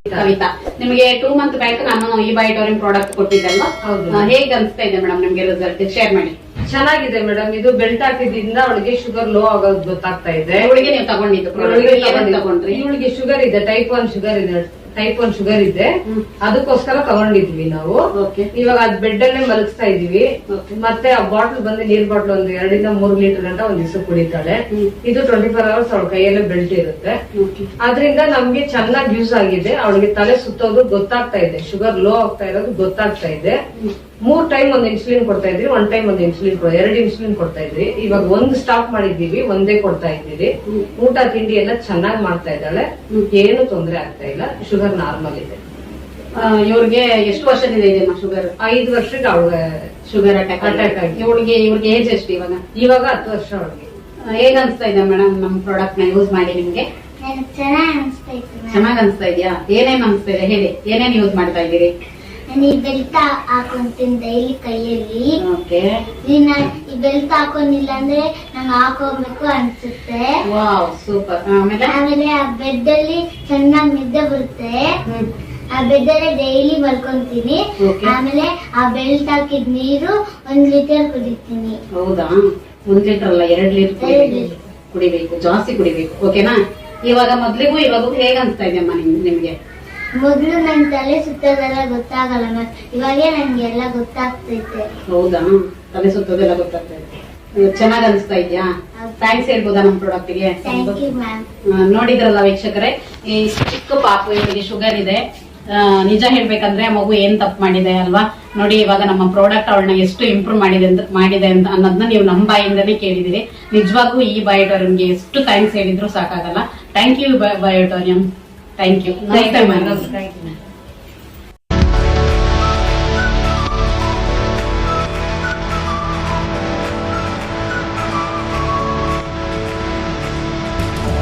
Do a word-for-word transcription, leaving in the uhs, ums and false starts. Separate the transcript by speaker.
Speaker 1: ಕವಿತಾ, ನಿಮಗೆ two month back ನಾನು ಈ ಬಯೋಟೋರಿಯಂ ಪ್ರಾಡಕ್ಟ್ ಕೊಟ್ಟಿದ್ದಲ್ವಾ? ಹೇಗೆ ಅನ್ಸ್ತಾ ಇದೆ ಮೇಡಮ್ ನಿಮ್ಗೆ ರಿಸಲ್ಟ್? ಶೇರ್ ಮಾಡಿ.
Speaker 2: ಚೆನ್ನಾಗಿದೆ ಮೇಡಮ್. ಇದು ಬೆಲ್ಟ್ ಹಾಕಿದ್ರಿಂದ ಅವಳಿಗೆ ಶುಗರ್ ಲೋ ಆಗೋದು ಗೊತ್ತಾಗ್ತಾ ಇದೆ.
Speaker 1: ಇವಳಿಗೆ ನೀವು ತಗೊಂಡಿದ್ದು ತಗೊಂಡ್ರಿ?
Speaker 2: ಇವಳಿಗೆ ಶುಗರ್ ಇದೆ, ಟೈಪ್ ಒನ್ ಶುಗರ್ ಇದೆ, ಟೈಪ್ ಒನ್ ಶುಗರ್ ಇದೆ, ಅದಕ್ಕೋಸ್ಕರ ತಗೊಂಡಿದ್ವಿ ನಾವು. ಇವಾಗ ಅದ್ ಬೆಡ್ ಅಲ್ಲೇ ಮಲಗಿಸ್ತಾ ಇದೀವಿ. ಮತ್ತೆ ಆ ಬಾಟ್ಲ್ ಬಂದು ನೀರ್ ಬಾಟ್ಲ್ ಒಂದು ಎರಡರಿಂದ ಮೂರು ಲೀಟರ್ ಗಂಟ ಒಂದ್ ದಿವಸ ಕುಡಿತಾಳೆ. ಇದು ಟ್ವೆಂಟಿ ಫೋರ್ ಅವರ್ಸ್ ಅವಳ ಕೈಯಲ್ಲೇ ಬೆಲ್ಟ್ ಇರುತ್ತೆ. ಅದ್ರಿಂದ ನಮ್ಗೆ ಚೆನ್ನಾಗಿ ಯೂಸ್ ಆಗಿದೆ. ಅವಳಿಗೆ ತಲೆ ಸುತ್ತೋದು ಗೊತ್ತಾಗ್ತಾ ಇದೆ, ಶುಗರ್ ಲೋ ಆಗ್ತಾ ಇರೋದು ಗೊತ್ತಾಗ್ತಾ ಇದೆ. ಮೂರ್ ಟೈಮ್ ಒಂದು ಇನ್ಸುಲಿನ್ ಕೊಡ್ತಾ ಇದ್ವಿ, ಒನ್ ಟೈಮ್ ಒಂದು ಇನ್ಸುಲಿನ್ ಎರಡು ಇನ್ಸುಲಿನ್ ಕೊಡ್ತಾ ಇದ್ವಿ. ಇವಾಗ ಒಂದು ಸ್ಟಾಪ್ ಮಾಡಿದೀವಿ, ಒಂದೇ ಕೊಡ್ತಾ ಇದ್ದೀವಿ. ಊಟ ತಿಂಡಿ ಎಲ್ಲ ಚೆನ್ನಾಗಿ ಮಾಡ್ತಾ ಇದ್ದಾಳೆ, ಏನು ತೊಂದರೆ ಆಗ್ತಾ ಇಲ್ಲ. ಶುಗರ್ ನಾರ್ಮಲ್ ಇದೆ.
Speaker 1: ಇವ್ರಿಗೆ ಎಷ್ಟು ವರ್ಷದಿಂದ ಇದೆ ಶುಗರ್?
Speaker 2: ಐದು ವರ್ಷಕ್ಕೆ ಅವಳಿಗೆ
Speaker 1: ಶುಗರ್ ಅಟ್ಯಾಕ್ ಅಟ್ಯಾಕ್ ಆಗಿ. ಇವಳಿಗೆ ಇವ್ರಿಗೆ ಏಜ್ ಎಷ್ಟು ಇವಾಗ?
Speaker 2: ಇವಾಗ ಹತ್ತು ವರ್ಷ ಅವಳಿಗೆ.
Speaker 1: ಹೇಗ್ ಅನ್ಸ್ತಾ ಇದೆ ಮೇಡಮ್ ನಮ್ ಪ್ರಾಡಕ್ಟ್ ನ ಯೂಸ್ ಮಾಡಿ ನಿಮ್ಗೆ? ಚೆನ್ನಾಗ್ ಅನ್ಸ್ತಾ ಇದೆಯಾ? ಏನೇನ್ ಅನ್ಸ್ತಾ ಇದೆ ಹೇಳಿ, ಏನೇನ್ ಯೂಸ್ ಮಾಡ್ತಾ ಇದ್ದೀರಿ?
Speaker 3: ನಾನು ಈ ಬೆಲ್ಟ್ ಹಾಕೊಂತೀನಿ ಡೈಲಿ ಕೈಯಲ್ಲಿ. ಈ ಬೆಲ್ಟ್ ಹಾಕೊಂಡಿಲ್ಲ ಅಂದ್ರೆ ನಂಗೆ ಹಾಕೋಬೇಕು ಅನ್ಸುತ್ತೆ.
Speaker 1: ಸೂಪರ್.
Speaker 3: ಆಮೇಲೆ ಆ ಬೆಡ್ ಅಲ್ಲಿ ಚೆನ್ನಾಗಿ ನಿದ್ದೆ ಬರುತ್ತೆ. ಆ ಬೆಡ್ ಅಲ್ಲೇ ಡೈಲಿ ಮಲ್ಕೊಂತೀನಿ. ಆಮೇಲೆ ಆ ಬೆಲ್ಟ್ ಹಾಕಿದ್ ನೀರು ಒಂದ್ ಲೀಟರ್ ಕುಡಿತೀನಿ.
Speaker 1: ಹೌದಾ? ಒಂದ್ ಲೀಟರ್ ಅಲ್ಲ, ಎರಡ್ ಲೀಟರ್ ಕುಡಿಬೇಕು, ಜಾಸ್ತಿ ಕುಡಿಬೇಕು. ಓಕೆನಾ? ಇವಾಗ ಮೊದ್ಲಿಗೂ ಇವಾಗ ಹೇಗ್ ಅನ್ಸ್ತಾ ಇದೆ ಅಮ್ಮ ನಿಮ್ಗೆ?
Speaker 3: ಮೊದ್ಲು ನನ್ ತಲೆ ಸುತ್ತೋದೆಲ್ಲ ಗೊತ್ತಾಗಲ್ಲ ಮ್ಯಾಮ್, ಇವಾಗೇ ನನ್ಗೆಲ್ಲ ಗೊತ್ತಾಗ್ತೈತೆ.
Speaker 1: ಹೌದಾ? ತಲೆ ಸುತ್ತೋದೆಲ್ಲ ಗೊತ್ತಾಗ್ತೈತೆ. ಚೆನ್ನಾಗ್ ಅನಿಸ್ತಾ ಇದ್ಯಾ? ಥ್ಯಾಂಕ್ಸ್ ಹೇಳ್ಬೋದಾ ನಮ್ ಪ್ರಾಡಕ್ಟ್ ಗೆ? ನೋಡಿದ್ರಲ್ಲ ವೀಕ್ಷಕರೇ, ಈ ಚಿಕ್ಕ ಪಾಪು, ಇವರಿಗೆ ಶುಗರ್ ಇದೆ. ನಿಜ ಹೇಳ್ಬೇಕಂದ್ರೆ ಮಗು ಏನ್ ತಪ್ಪು ಮಾಡಿದೆ ಅಲ್ವಾ? ನೋಡಿ ಇವಾಗ ನಮ್ಮ ಪ್ರಾಡಕ್ಟ್ ಅವಳನ್ನ ಎಷ್ಟು ಇಂಪ್ರೂವ್ ಮಾಡಿದೆ ಅಂತ ಮಾಡಿದೆ ಅಂತ ಅನ್ನೋದನ್ನ ನೀವು ನಮ್ಮ ಬಾಯಿಂದನೇ ಕೇಳಿದಿರಿ. ನಿಜವಾಗೂ ಈ ಬಯೋಟೋರಿಯಂಗೆ ಎಷ್ಟು ಥ್ಯಾಂಕ್ಸ್ ಹೇಳಿದ್ರು ಸಾಕಾಗಲ್ಲ. Thank you Biotorium. Thank you. ನಮಸ್ತೆ ಮ್ಯಾಮ್.